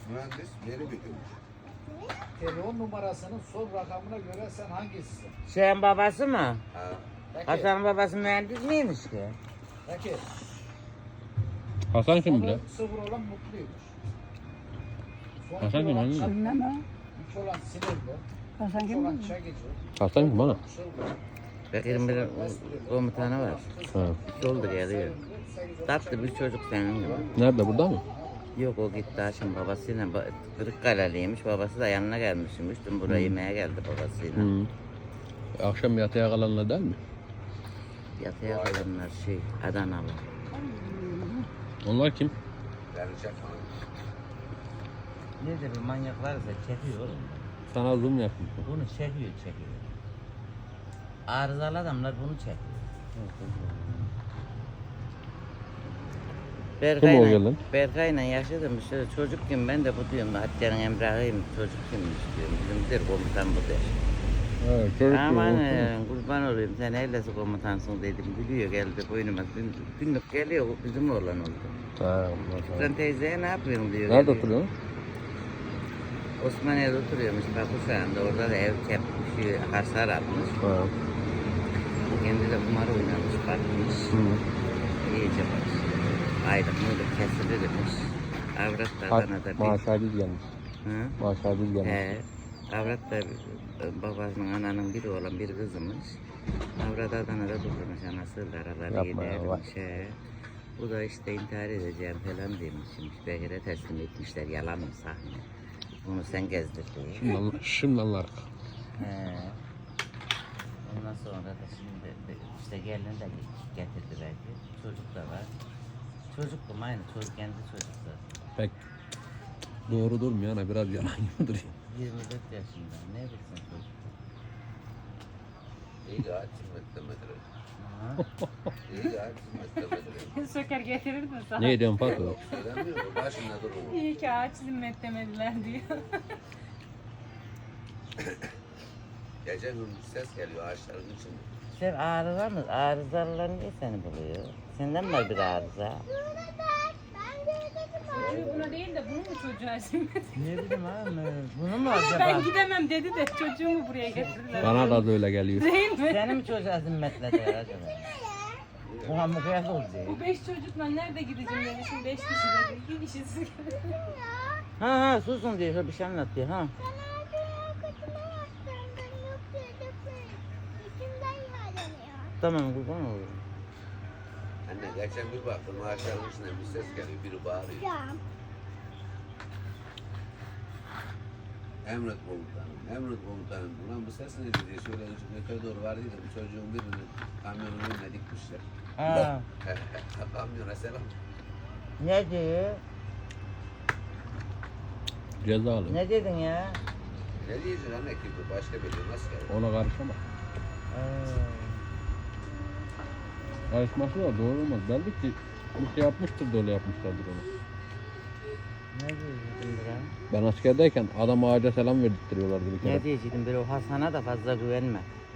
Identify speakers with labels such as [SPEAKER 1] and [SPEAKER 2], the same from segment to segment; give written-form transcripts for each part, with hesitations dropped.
[SPEAKER 1] Mühendis yeni bitirmiş.
[SPEAKER 2] Telefon numarasının son rakamına göre sen hangisisin?
[SPEAKER 3] Şeyin babası mı?
[SPEAKER 1] Ha.
[SPEAKER 2] Peki.
[SPEAKER 3] Hasan'ın babası mühendis miymiş ki?
[SPEAKER 2] Peki.
[SPEAKER 4] Hasan kim
[SPEAKER 2] Sonu
[SPEAKER 4] bile?
[SPEAKER 2] sıfır olan mutluymuş. Son
[SPEAKER 4] Hasan kim
[SPEAKER 2] olan
[SPEAKER 4] lan?
[SPEAKER 2] çakma,
[SPEAKER 5] Bilmem ha.
[SPEAKER 2] üç olan sinirli,
[SPEAKER 5] Hasan
[SPEAKER 2] üç
[SPEAKER 5] kim
[SPEAKER 2] olan
[SPEAKER 5] mi?
[SPEAKER 2] çekici,
[SPEAKER 4] Hasan kim bana?
[SPEAKER 2] çılgın,
[SPEAKER 3] Bekir'in bir komutanı var.
[SPEAKER 4] Ha.
[SPEAKER 3] İki oldu geliyor. Tatlı bir çocuk senin gibi.
[SPEAKER 4] Nerede, burada mı?
[SPEAKER 3] Yok o gitti Haşim babasıyla. Kırıkkale'liymiş. Babası da yanına gelmişmiş. Dün buraya yemeğe geldi babasıyla.
[SPEAKER 4] Hı. Akşam yatıya kalanlar değil mi?
[SPEAKER 3] Yatıya kalanlar Adanalı.
[SPEAKER 4] Onlar kim?
[SPEAKER 1] Yani çakma.
[SPEAKER 3] Nedir bu manyaklar ise çekiyor oğlum.
[SPEAKER 4] Sana zoom yapayım.
[SPEAKER 3] Bunu çekiyor. Arızalı adamlar bunu çekiyor.
[SPEAKER 4] Kim o gelen?
[SPEAKER 3] Berkay'la yaşadım işte çocukken ben de bu diyorum Hatice'nin Emrah'ıyım çocuk kimmiş diyorum. Bizimdir komutan bu der.
[SPEAKER 4] Evet, çocuk
[SPEAKER 3] Aman
[SPEAKER 4] gibi.
[SPEAKER 3] kurban olayım sen neylesi komutansın dedim. Gülüyor geldi boynuma. Günlük geliyor bizim oğlan oldu.
[SPEAKER 4] Ha,
[SPEAKER 3] Sen teyzeye ne yapıyorsun diyor.
[SPEAKER 4] nerede
[SPEAKER 3] geliyor.
[SPEAKER 4] oturuyorsun?
[SPEAKER 3] Osmaniye'de oturuyormuş Pakistan'da. Orada da ev kepmiş, hasar atmış.
[SPEAKER 4] Ha.
[SPEAKER 3] Kendi de kumar oynamış, bakmış.
[SPEAKER 4] Hı.
[SPEAKER 3] İyice bak. Aylık mıylık kesilirmiş. Avrat da Adana'da bir...
[SPEAKER 4] Maaşaydız gelmiş.
[SPEAKER 3] Hı?
[SPEAKER 4] Maaşaydız gelmiş.
[SPEAKER 3] He. Avrat da babasının ananın biri olan bir kızımış. Avrat Adana'da durmuş anasıyla araları
[SPEAKER 4] Yapma ya, vay.
[SPEAKER 3] gidermiş. He. Bu da işte intihar edeceğim falan demişmiş. Bekir'e teslim etmişler. Yalan mı sahne? Bunu sen gezdir diye.
[SPEAKER 4] Şimdi anlar.
[SPEAKER 3] He. Ondan sonra da şimdi işte gelin de getirdi belki. Çocuk da var. Çocuk mu aynı çocuk kendi çocuklar.
[SPEAKER 4] Pek doğru durmuyor ana, biraz yalan gibi duruyor.
[SPEAKER 3] 24 yaşında ne bilsin çocuk.
[SPEAKER 1] İyi de açım etmedir.
[SPEAKER 3] Ha?
[SPEAKER 1] İyi de açım etmedir.
[SPEAKER 6] Söker getirirdin sana.
[SPEAKER 4] Ne ediyorsun Pato?
[SPEAKER 1] Söylemiyor mu? Başında durur.
[SPEAKER 6] İyi ki ağaç zimmet demediler diyor.
[SPEAKER 1] Gece gündüz ses geliyor ağaçların içinde.
[SPEAKER 3] Sen arıza mı? Arızalılar niye seni buluyor? Senden var bir arıza.
[SPEAKER 6] Çocuğu buna değil de bunu mu çocuğa zimmet?
[SPEAKER 3] Ne bileyim abi bunu mu
[SPEAKER 6] Ben
[SPEAKER 3] acaba?
[SPEAKER 6] gidemem dedi de çocuğumu buraya getirdiler.
[SPEAKER 4] Bana da öyle geliyor.
[SPEAKER 6] Değil mi?
[SPEAKER 3] Seni mi çocuğa zimmetlediler acaba? Bu hamburger oldu.
[SPEAKER 6] Bu 5 çocukla nerede gideceğim dedi. Şimdi 5 kişi dedi. 2 kişisi.
[SPEAKER 3] Ha susun diyor. Şöyle bir şey anlatıyor ha. Tamam kurban olurum.
[SPEAKER 1] Anne geçen bir baktım ağaçların içinden bir ses geliyor. Biri bağırıyor. Emret komutanım, emret komutanım. Ulan bu ses ne diye şöyle yukarı doğru vardıydım. Çocuğun birini kamyonun önüne dikmişler.
[SPEAKER 3] Ha.
[SPEAKER 1] Kamyona selam.
[SPEAKER 3] Ne diyor?
[SPEAKER 4] Cezalı.
[SPEAKER 3] Ne dedin ya?
[SPEAKER 1] Ne diyeceksin anne ki bu başka bir şey nasıl gelir?
[SPEAKER 4] Ona karışamam. Karışması da doğru olmaz. Belli ki bir şey yapmıştır da öyle yapmışlardır onu.
[SPEAKER 3] Ne diyecektin Biran?
[SPEAKER 4] Ben askerdeyken adam ağaca selam verdirtiyorlardı bir kere.
[SPEAKER 3] Ne diyecektim bir o Hasan'a da fazla güvenme.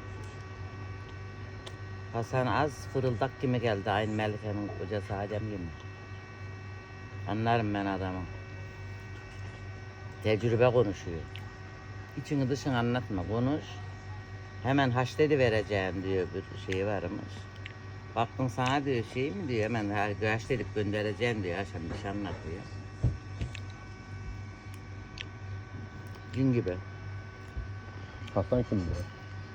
[SPEAKER 3] Hasan az fırıldak gibi geldi aynı Melike'nin kocası Adem gibi. Anlarım ben adamı. Tecrübe konuşuyor. İçini dışını anlatma konuş. Hemen haşledi vereceğim diyor bir şey varmış. Baktın sana diyor şey mi diyor hemen haşledip göndereceğim diyor akşam bir şey anlatıyor. Gün gibi.
[SPEAKER 4] Hasan kim diyor?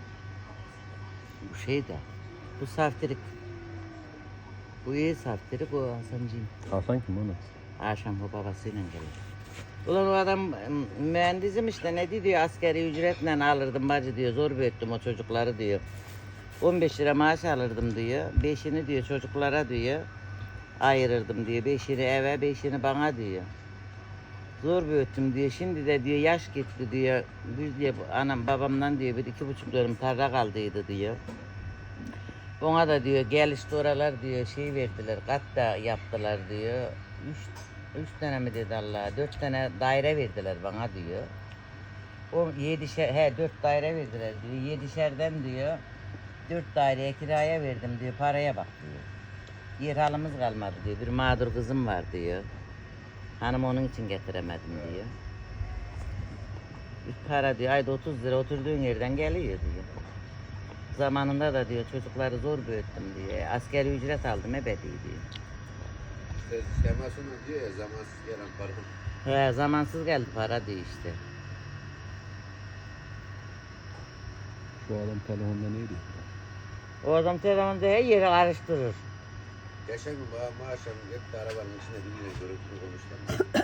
[SPEAKER 3] Bu şey de. Bu saftirik. Bu iyi saftirik o Hasancığım.
[SPEAKER 4] Hasan kim onu?
[SPEAKER 3] Akşam o babasıyla gelir. Ulan o adam mühendisim işte ne diyor askeri ücretle alırdım bacı diyor zor büyüttüm o çocukları diyor. 15 lira maaş alırdım diyor. 5'ini diyor çocuklara diyor. Ayırırdım diyor. 5'ini eve 5'ini bana diyor. Zor büyüttüm diyor. Şimdi de diyor yaş gitti diyor. Biz diyor anam babamdan diyor bir 2,5 dönüm tarla kaldıydı diyor. Ona da diyor gelişti oralar diyor şey verdiler kat da yaptılar diyor. 3 tane mi dedi Allah 4 tane daire verdiler bana diyor. O 4 daire verdiler diyor. 7'şerden diyor 4 daireye kiraya verdim diyor paraya bak diyor. Yer halımız kalmadı diyor. Bir mağdur kızım var diyor. Hanım onun için getiremedim diyor. Para diyor ayda 30 lira oturduğun yerden geliyor diyor. Zamanında da diyor çocukları zor büyüttüm diyor. Askeri ücret aldım ebedi diyor.
[SPEAKER 1] İşte şemasını diyor ya zamansız gelen para.
[SPEAKER 3] He zamansız geldi para diyor işte.
[SPEAKER 4] Şu adam telefonda neydi?
[SPEAKER 3] O adam telefonda her yeri karıştırır.
[SPEAKER 1] Geçen gün bana akşam hep de arabanın içinde biriyle görüntülü konuştum.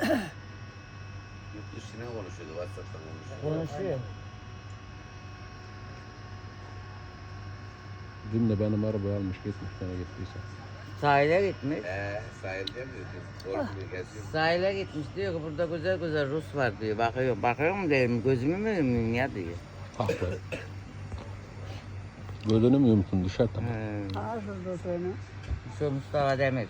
[SPEAKER 1] Yurt dışına konuşuyordu, WhatsApp'tan konuşuyordu.
[SPEAKER 3] Konuşuyor.
[SPEAKER 4] Dün de benim arabayı almış gitmiş sana gittiyse.
[SPEAKER 3] Sahile gitmiş.
[SPEAKER 1] Sahilde mi dedi? Korkmuyor, geziyor.
[SPEAKER 3] Sahile gitmiş diyor ki burada güzel güzel Rus var diyor. Bakıyor mu dedim gözümü mü yumuyum ya diyor.
[SPEAKER 4] Ah be. Gözünü mü yumtun dışarı tamam.
[SPEAKER 5] Ağzı seni.
[SPEAKER 3] Şu Mustafa Demir.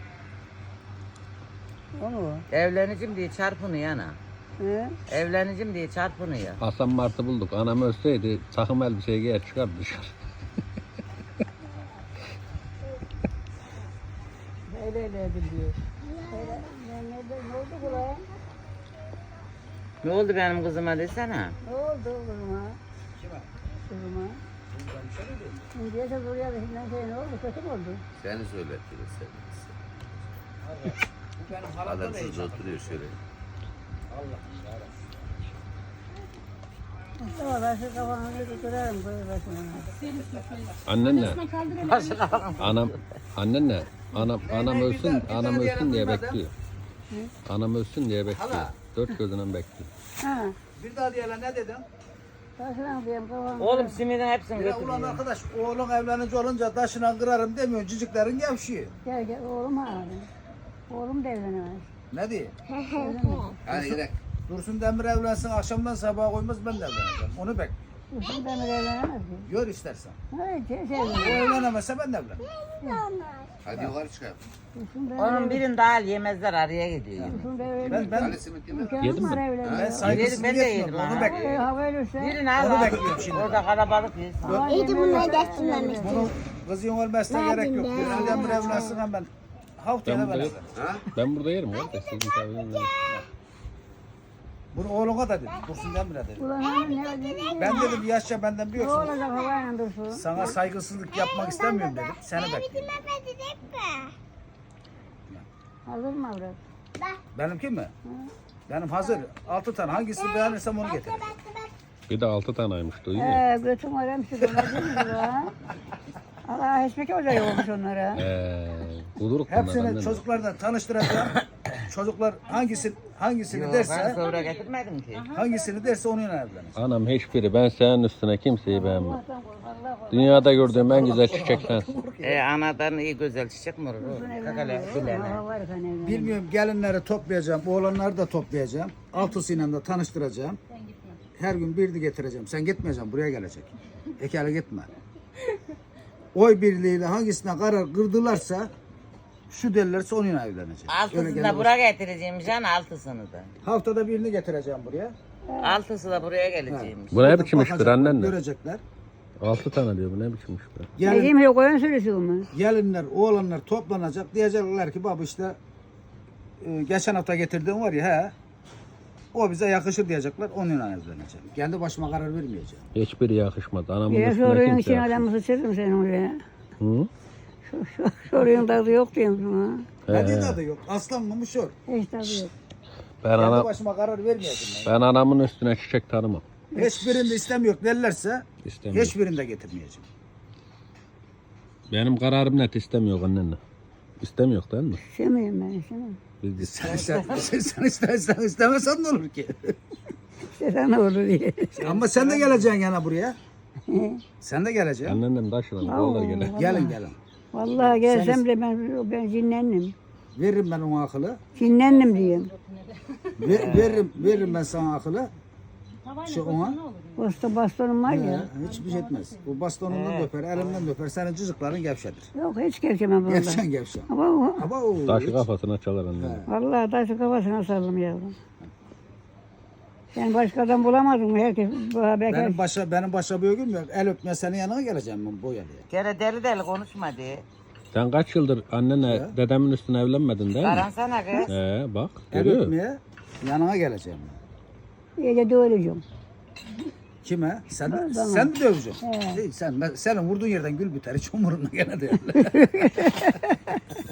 [SPEAKER 5] O mu?
[SPEAKER 3] Evleneceğim diye çarpınıyor ana.
[SPEAKER 5] He?
[SPEAKER 3] Evleneceğim diye çarpınıyor.
[SPEAKER 4] Hasan Mart'ı bulduk. Anam ölseydi takım elbiseyi giyer çıkar dışarı.
[SPEAKER 5] Öyle diyor. Ne oldu kulağa?
[SPEAKER 3] Ne oldu benim kızıma desene.
[SPEAKER 5] Ne oldu kızıma?
[SPEAKER 2] Kime?
[SPEAKER 5] Kızıma.
[SPEAKER 2] Ben bir şey mi dedim?
[SPEAKER 5] Şimdiye de buraya da şimdiden şey ne oldu? Kötü mü oldu?
[SPEAKER 1] Seni söylettirir seni.
[SPEAKER 2] Allah. Bu benim halamda
[SPEAKER 1] Adam
[SPEAKER 2] da
[SPEAKER 1] şurada oturuyor şöyle.
[SPEAKER 2] Allah'ım yarabbim.
[SPEAKER 5] Mustafa ben şu kafanı bir kırarım böyle başına.
[SPEAKER 4] Annenle. Annenle. Anam ölsün diye bekliyor. Anam ölsün diye bekliyor.
[SPEAKER 2] Hala.
[SPEAKER 4] Dört gözünden bekliyor.
[SPEAKER 5] Ha.
[SPEAKER 2] Bir daha diyelim ne dedin?
[SPEAKER 5] Başına diyeyim kafanı.
[SPEAKER 3] Oğlum simidin hepsini
[SPEAKER 2] Ya ulan
[SPEAKER 3] götürüyor.
[SPEAKER 2] arkadaş oğlun evlenince olunca taşına kırarım demiyor. Ciciklerin gevşiyor.
[SPEAKER 5] Gel oğlum abi. Oğlum da evlenemez.
[SPEAKER 2] Ne diye?
[SPEAKER 5] Evlenemez.
[SPEAKER 1] Hadi gidelim.
[SPEAKER 2] Dursun Demir evlensin akşamdan sabaha koymaz ben de evleneceğim. Onu bek.
[SPEAKER 5] Dursun Demir evlenemez ki.
[SPEAKER 2] Gör istersen.
[SPEAKER 5] Hayır şey
[SPEAKER 2] O
[SPEAKER 5] evlenemez.
[SPEAKER 2] evlenemezse ben de evlenirim.
[SPEAKER 1] Hadi yukarı çıkalım.
[SPEAKER 5] Dursun Demir
[SPEAKER 3] Onun birini daha yemezler araya gidiyor.
[SPEAKER 5] Dursun Demir evlenemez.
[SPEAKER 2] Ben
[SPEAKER 1] Hadi simit yeme.
[SPEAKER 5] İmkanı
[SPEAKER 4] Yedin
[SPEAKER 5] var
[SPEAKER 4] mi?
[SPEAKER 5] evlenmeye.
[SPEAKER 2] ben saygısızlık
[SPEAKER 3] Ben de yedim
[SPEAKER 2] etmiyorum. Onu
[SPEAKER 3] ha.
[SPEAKER 2] bekliyorum.
[SPEAKER 5] Hava ölürse.
[SPEAKER 3] Birini al
[SPEAKER 2] Onu
[SPEAKER 3] al.
[SPEAKER 2] bekliyorum şimdi.
[SPEAKER 3] Orada kalabalık yesin.
[SPEAKER 5] İyiydi bunları geçtirmemiş.
[SPEAKER 2] Bunu kızın ölmesine gerek yok. Dursun Demir evlensin ben haftaya da
[SPEAKER 4] Ben
[SPEAKER 2] ben
[SPEAKER 4] burada-
[SPEAKER 2] evlenirim.
[SPEAKER 1] Ha?
[SPEAKER 4] Ben burada yerim ya. Sizin misafiriniz.
[SPEAKER 2] Bunu oğluna da dedim. Dursun Demir'e dedim.
[SPEAKER 5] Ulan hanım ne dedi?
[SPEAKER 2] Ben dedim bir yaşça benden
[SPEAKER 5] Ne
[SPEAKER 2] büyüksün.
[SPEAKER 5] olacak havayla dursun?
[SPEAKER 2] Sana saygısızlık yapmak istemiyorum dedim. Seni bekliyorum.
[SPEAKER 5] Hazır mı avrat?
[SPEAKER 2] Benimki mi? Benim hazır. 6 tane. Hangisini beğenirsem onu getir.
[SPEAKER 4] Bir de 6 taneymiş duyuyor musun?
[SPEAKER 5] Götüm var hemşi dolar lan. Allah hiçbir ocağı olmuş onlara.
[SPEAKER 4] Buluruk bunlar
[SPEAKER 2] Hepsini
[SPEAKER 4] annenle.
[SPEAKER 2] çocuklarla tanıştıracağım. Çocuklar hangisini
[SPEAKER 3] Yok ben
[SPEAKER 2] derse
[SPEAKER 3] sonra getirmedim ki.
[SPEAKER 2] onunla evlenir.
[SPEAKER 4] Anam hiçbiri. Ben senin üstüne kimseyi beğenmem.
[SPEAKER 5] Allah'tan kork, Allah kork.
[SPEAKER 4] Dünyada gördüğüm en güzel çiçek sensin.
[SPEAKER 3] Anadan iyi güzel çiçek mi olur? Kakale bilene.
[SPEAKER 5] Hava var kan evlen.
[SPEAKER 2] Bilmiyorum gelinleri toplayacağım. Oğlanları da toplayacağım. Altısıyla da tanıştıracağım. Her gün birini getireceğim. Sen gitmeyeceksin. Buraya gelecek. Ekele gitme. Oy birliğiyle hangisine karar kırdılarsa şu derlerse onunla evleneceğim.
[SPEAKER 3] Altısını da buraya getireceğim can altısını da.
[SPEAKER 2] Haftada birini getireceğim buraya.
[SPEAKER 3] Altısı da buraya geleceğimiş.
[SPEAKER 4] Bu ne biçim iştir
[SPEAKER 2] Bakacaklar,
[SPEAKER 4] annenle?
[SPEAKER 2] Görecekler.
[SPEAKER 4] 6 tane diyor bu ne biçim iş be?
[SPEAKER 2] Gelin,
[SPEAKER 5] Dediğim yok oyun sürüsü olmaz.
[SPEAKER 2] gelinler, oğlanlar toplanacak. Diyecekler ki baba işte geçen hafta getirdiğim var ya he. O bize yakışır diyecekler. Onunla evleneceğim. Kendi başıma karar vermeyeceğim.
[SPEAKER 4] Hiçbiri yakışmadı. Anamın
[SPEAKER 5] Bir
[SPEAKER 4] üstüne
[SPEAKER 5] soruyun
[SPEAKER 4] kimse
[SPEAKER 5] için
[SPEAKER 4] yakışmadı.
[SPEAKER 5] adamı sıçırırım sen oraya.
[SPEAKER 4] Hı?
[SPEAKER 5] Soruyun tadı yok diyorum sana.
[SPEAKER 2] Ne tadı yok. Aslan mı şor.
[SPEAKER 5] Hiç tadı yok.
[SPEAKER 4] Ben,
[SPEAKER 2] Kendi
[SPEAKER 4] ana,
[SPEAKER 2] başıma karar vermeyeceğim.
[SPEAKER 4] ben anamın üstüne çiçek tanımam.
[SPEAKER 2] Hiçbirinde istemiyor derlerse
[SPEAKER 4] İstemiyorum.
[SPEAKER 2] hiçbirinde getirmeyeceğim.
[SPEAKER 4] Benim kararım net istemiyor annenle. İstemiyor değil mi?
[SPEAKER 5] İstemiyorum ben istemem.
[SPEAKER 4] Biz
[SPEAKER 2] Sen istersen istemesen ne olur ki?
[SPEAKER 5] İstesen ne olur diye.
[SPEAKER 2] Ama sen de geleceksin yana buraya. Sen de geleceksin.
[SPEAKER 4] Anneannem taşıdan olur gene.
[SPEAKER 2] Gelin.
[SPEAKER 5] Vallahi gelsem de ben cinlendim.
[SPEAKER 2] Veririm ben ona akıllı.
[SPEAKER 5] Cinlendim diyeyim.
[SPEAKER 2] Veririm ben sana akıllı. Şu ona.
[SPEAKER 5] Bastonum var ya.
[SPEAKER 2] Hiçbir şey etmez. Bu bastonundan döper, elimden döper. Senin cızıkların gevşedir.
[SPEAKER 5] Yok hiç gevşemem burada.
[SPEAKER 2] Gevşen.
[SPEAKER 5] Ama
[SPEAKER 2] Ama o
[SPEAKER 4] Taşı kafasına çalar annem.
[SPEAKER 5] vallahi taşı kafasına saldım yavrum. Sen başkadan bulamadın mı? Herkes
[SPEAKER 2] benim başa bir gün yok. El öpmeye senin yanına geleceğim ben bu yerine.
[SPEAKER 3] Gene deli deli konuşma diye.
[SPEAKER 4] Sen kaç yıldır annenle
[SPEAKER 2] Ya.
[SPEAKER 4] dedemin üstüne evlenmedin değil mi?
[SPEAKER 3] Aransana kız.
[SPEAKER 4] Bak.
[SPEAKER 2] Ev
[SPEAKER 4] Görüyor.
[SPEAKER 2] öpmeye yanına geleceğim.
[SPEAKER 5] İyice dövüleceğim.
[SPEAKER 2] Kime? Sen de,
[SPEAKER 5] Bana.
[SPEAKER 2] sen de döveceksin.
[SPEAKER 5] He.
[SPEAKER 2] Değil, senin vurduğun yerden gül biter. Hiç umurumda gene değil.